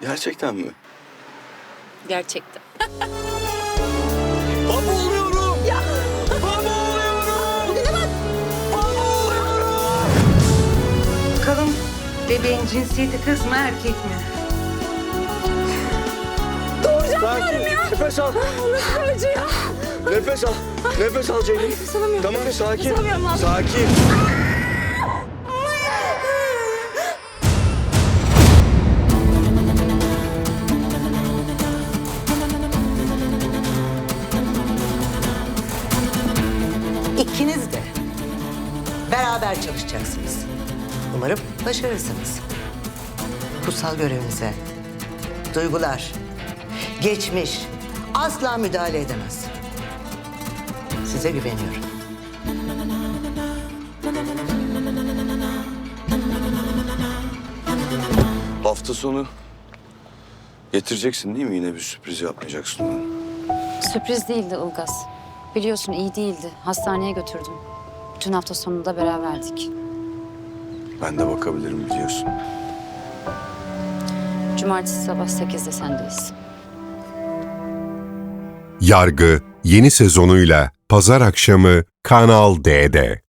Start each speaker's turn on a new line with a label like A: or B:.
A: Gerçekten mi?
B: Gerçekten.
A: Baba oluyorum! Ya! Baba oluyorum! Baba oluyorum!
C: Bakalım bebeğin cinsiyeti kız mı erkek mi?
A: Sakin. Nefes al.
B: Nasıl acı ya?
A: Nefes al. Nefes al Ceylin.
B: Nefes alamıyorum.
A: Tamam sakin.
B: Nefes alamıyorum abi.
A: Sakin.
C: İkiniz de beraber çalışacaksınız. Umarım başarırsınız. Kutsal görevinize duygular, geçmiş asla müdahale edemez. Size güveniyorum.
A: Hafta sonu getireceksin değil mi? Yine bir sürpriz yapmayacaksın bana.
B: Sürpriz değildi Ilgaz. Biliyorsun iyi değildi. Hastaneye götürdüm. Bütün hafta sonunda beraberdik.
A: Ben de bakabilirim biliyorsun.
B: Cumartesi sabah 8'de sendeyiz.
D: Yargı yeni sezonuyla Pazar akşamı Kanal D'de.